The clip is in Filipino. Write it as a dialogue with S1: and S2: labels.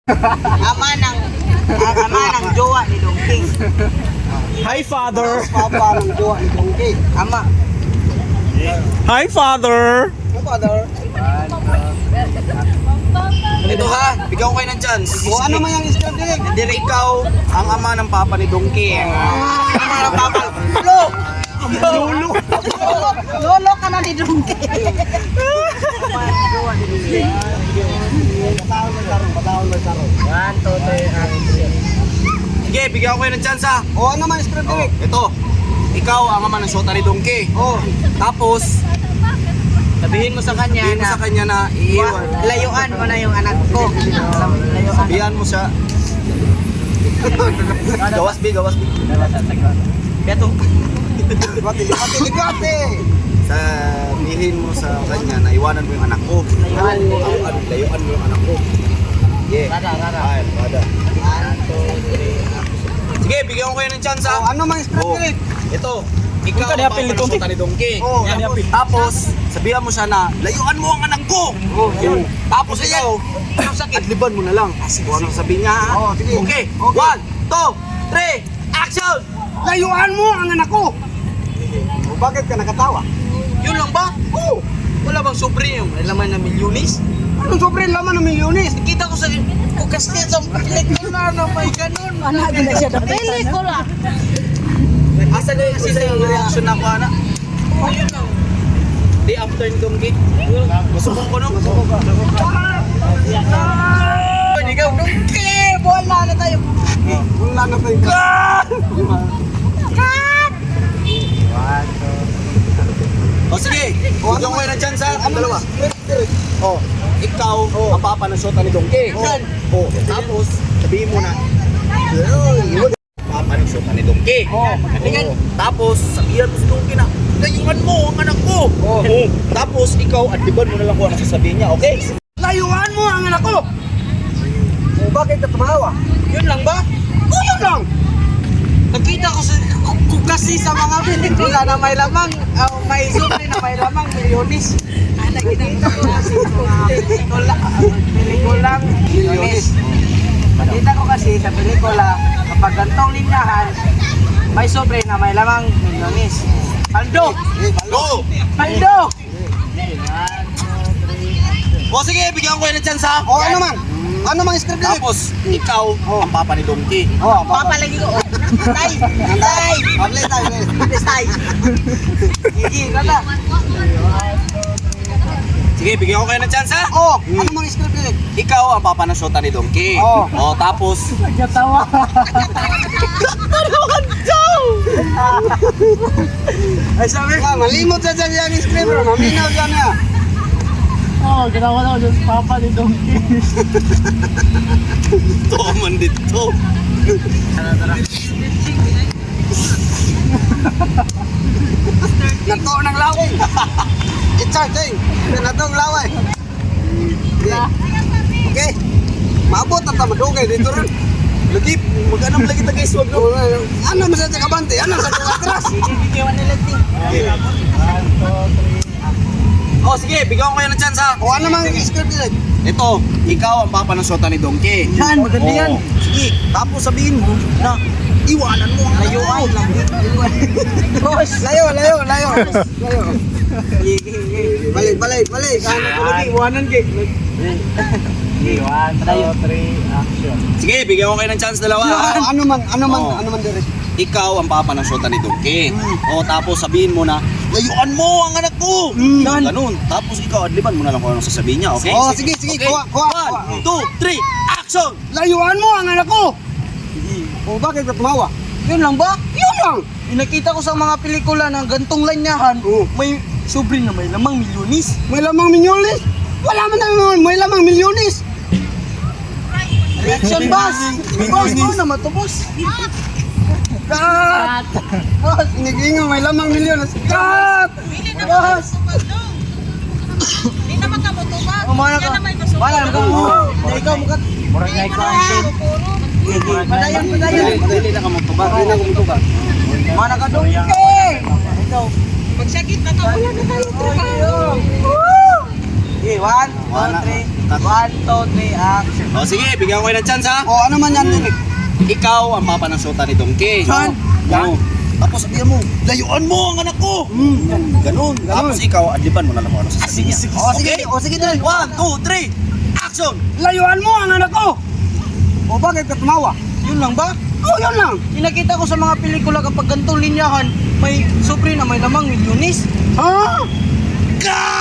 S1: Ama ng jowa ni Dongki.
S2: Hi, Father.
S1: Papa ng jowa ni Dongki. Ama.
S2: Hi, Father.
S1: Ano father?
S3: Ito ha, bigyan ko kayo ng chance.
S1: O ano man yung script direct?
S3: Hindi ikaw ang ama ng papa ni Dongki.
S1: Ama ng papa. Lolo!
S2: Lolo.
S1: Lolo ka na ni Dongki.
S3: Sige, bigyan ko kayo ng chance ha.
S1: O ano man yung script direct?
S3: Ito, ikaw ang ama ng shota ni Dongki.
S1: O,
S3: Tapos,
S1: sabihin mo sa kanya
S3: sabihin mo sa kanya na iiwan.
S1: layuan mo na yung anak ko. Layuan.
S3: Sabihan mo siya. Gawas B.
S1: Beto. Ligwate.
S3: Sabihin mo sa kanya na iwanan mo yung anak ko. Layuan mo yung anak ko. Yeah. Ay, rada. Sige, bigyan ko kayo ng chance
S1: O
S3: ha.
S1: ano man yung script
S3: Oh.
S1: direct?
S3: Ito, ikaw
S2: Huwag ka
S3: ang
S2: niapil
S3: papa
S2: ni
S3: ng
S2: Dongki.
S3: shota ni Dongki.
S1: Oh,
S3: Tapos, sabihan mo siya na, layuan mo ang anak ko.
S1: yun.
S3: Tapos ikaw, adliban mo na lang. Kung anong sabihin niya ha.
S1: Oh, sige.
S3: Okay,
S1: Okay.
S3: 1, 2, 3, action!
S1: Layuan mo ang anak ko. O bakit ka nakatawa?
S3: Yun lang ba? Oo. Wala bang sobre yung laman na milyonis?
S1: Anong sobrang laman ng milyones?
S3: Kita ko sa kasi sa pelikula na may ganun.
S4: Anak gina siya na pelikula.
S3: Asa na kasi sa reaction ako ana? Oh, yun lang. Day after ni Dongki. Masubok ko no? Pwede ka, Dongki!
S1: Wala na tayo. Wala na tayo.
S3: O sige, bigyan ko kayo ng chance ha. Ang dalawa. O, ikaw ang papa ng shota ni Dongki. O, tapos sabihin mo na, papa ng shota ni Dongki. Tapos sabihan mo si Dongki na, layuan mo ang anak ko. Tapos ikaw, adliban mo na lang kung ano sasabihin niya, okay?
S1: Layuan mo ang anak ko. O bakit ka tumawa?
S3: Yun lang ba?
S1: O yun lang.
S3: Nakita ko kasi sa mga pelikula na may lamang, may sobre na may lamang milyonis.
S1: Nakita ko kasi sa mga pelikulang milyones. Nakita ko kasi sa pelikula, kapag gantong linyahan, may sobre na may lamang milyones. Paldo!
S3: Go!
S1: Paldo!
S3: O sige, bigyan ko kayo ng chance ha.
S1: O ano man? Ano man script direct?
S3: Tapos, ikaw ang papa ni Dongki.
S1: O, papalagi ko. Tay! Tay! Pabli tayo. Tay! Gigi, kata.
S3: Sige, bigyan ko kayo ng chance ha.
S1: O, ano man script direct?
S3: Ikaw ang papa ng shota ni Dongki.
S1: Oo.
S3: O, tapos,
S4: Nagkatawa.
S1: Ay sabi ka, malimot sa dyan yung script bro. Maminaw dyan na.
S4: Oh, ginawa na ako sa papa ni Dongki.
S3: ito man dito.
S1: Nato ng laway. It's-charge nato ng laway. Okay. Maabot na tama dugay dito rin.
S3: Lagi, mag-anam lagi ta guys, wag no.
S1: Ano man sa kabante? Ano sa atras?
S3: O sige, bigyan ko kayo ng chance ha.
S1: O ano man script direct?
S3: Ito, ikaw ang papa ng shota ni Dongki.
S1: Yan, maganda yan.
S3: Oo. Sige, tapos sabihin mo na iwanan mo ang layuan lang.
S1: Boss, layo. Balik. Ano ko lagi, iwanan kay.
S3: Sige, bigyan ko kayo ng chance dalawa ha.
S1: Ano
S3: Oo.
S1: man direct?
S3: Ikaw ang papa ng shota ni Dongki. O tapos sabihin mo na, layuan mo ang anak ko. Ganun. Tapos ikaw, adliban mo na lang kung anong sasabihin niya, okay?
S1: Oh, sige,
S3: Okay.
S1: kuha.
S3: 1, 2, 3, action!
S1: Layuan mo ang anak ko. O bakit ka tumawa?
S3: Yun lang ba?
S1: Yun lang.
S3: Nakita ko sa mga pelikula ng gantong lanyahan, may sobre na may lamang milyonis.
S1: May lamang milyones. Wala man naman, may lamang milyones.
S3: Reaction boss! Boss, ano naman to boss?
S1: Cut! Boss, inigingo, may lamang milyones. Cut! Boss!
S4: Hindi naman ka motubag.
S1: Umana ka. Wala naman ka. Ikaw mukat.
S4: Murag na ikaw ang sin.
S1: Padayon.
S3: Dili na ka magtubag.
S1: Umana ka doon.
S4: Magsakit na to. Wala na tayo.
S1: Okay, 1,
S3: Wala.
S1: 1, 2, 3, action.
S3: O sige, bigyan ko kayo ng chance ha.
S4: O, ano man yan, Nick?
S3: Ikaw ang papa ng syota ni Donkey.
S4: Saan?
S3: Oo. Tapos sabihan mo, layuan mo ang anak ko. Ganon. Tapos ikaw, adliban mo na lang kung ano sasabihin niya.
S4: O, sige, dali.
S3: 1, 2, 3, action!
S4: Layuan mo ang anak ko! O, bakit ka tumawa?
S1: Yun lang ba?
S4: O, yun lang.
S1: Pinakita ko sa mga pelikula kapag ganitong linyahan, may sobre na may lamang milyones.
S4: Ha?
S3: Ka!